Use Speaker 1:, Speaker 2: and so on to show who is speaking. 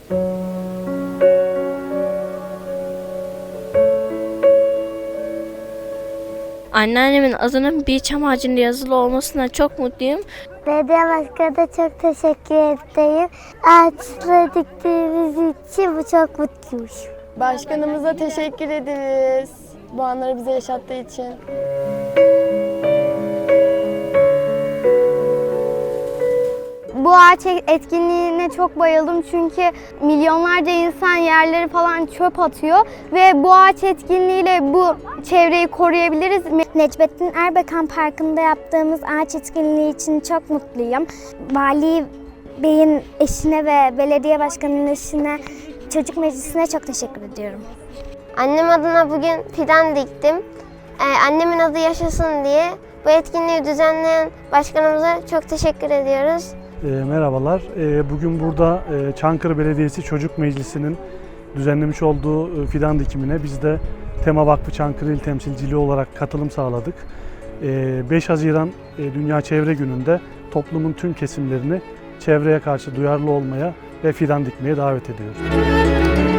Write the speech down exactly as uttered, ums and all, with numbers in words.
Speaker 1: Anneannemin adının bir çam ağacında yazılı olmasına çok mutluyum.
Speaker 2: Belediye başkanına da çok teşekkür ederim. Ağaçları diktiğimiz için bu çok mutluymuş.
Speaker 3: Başkanımıza teşekkür ederiz bu anları bize yaşattığı için.
Speaker 2: Bu ağaç etkinliğine çok bayıldım çünkü milyonlarca insan yerleri falan çöp atıyor ve bu ağaç etkinliğiyle bu çevreyi koruyabiliriz. Necmettin Erbakan Parkı'nda yaptığımız ağaç etkinliği için çok mutluyum. Vali Bey'in eşine ve belediye başkanının eşine, çocuk meclisine çok teşekkür ediyorum.
Speaker 4: Annem adına bugün fidan diktim. Ee, annemin adı yaşasın diye bu etkinliği düzenleyen başkanımıza çok teşekkür ediyoruz.
Speaker 5: E, merhabalar. E, bugün burada e, Çankırı Belediyesi Çocuk Meclisi'nin düzenlemiş olduğu e, fidan dikimine biz de Tema Vakfı Çankırı İl Temsilciliği olarak katılım sağladık. E, beş Haziran e, Dünya Çevre Günü'nde toplumun tüm kesimlerini çevreye karşı duyarlı olmaya ve fidan dikmeye davet ediyoruz.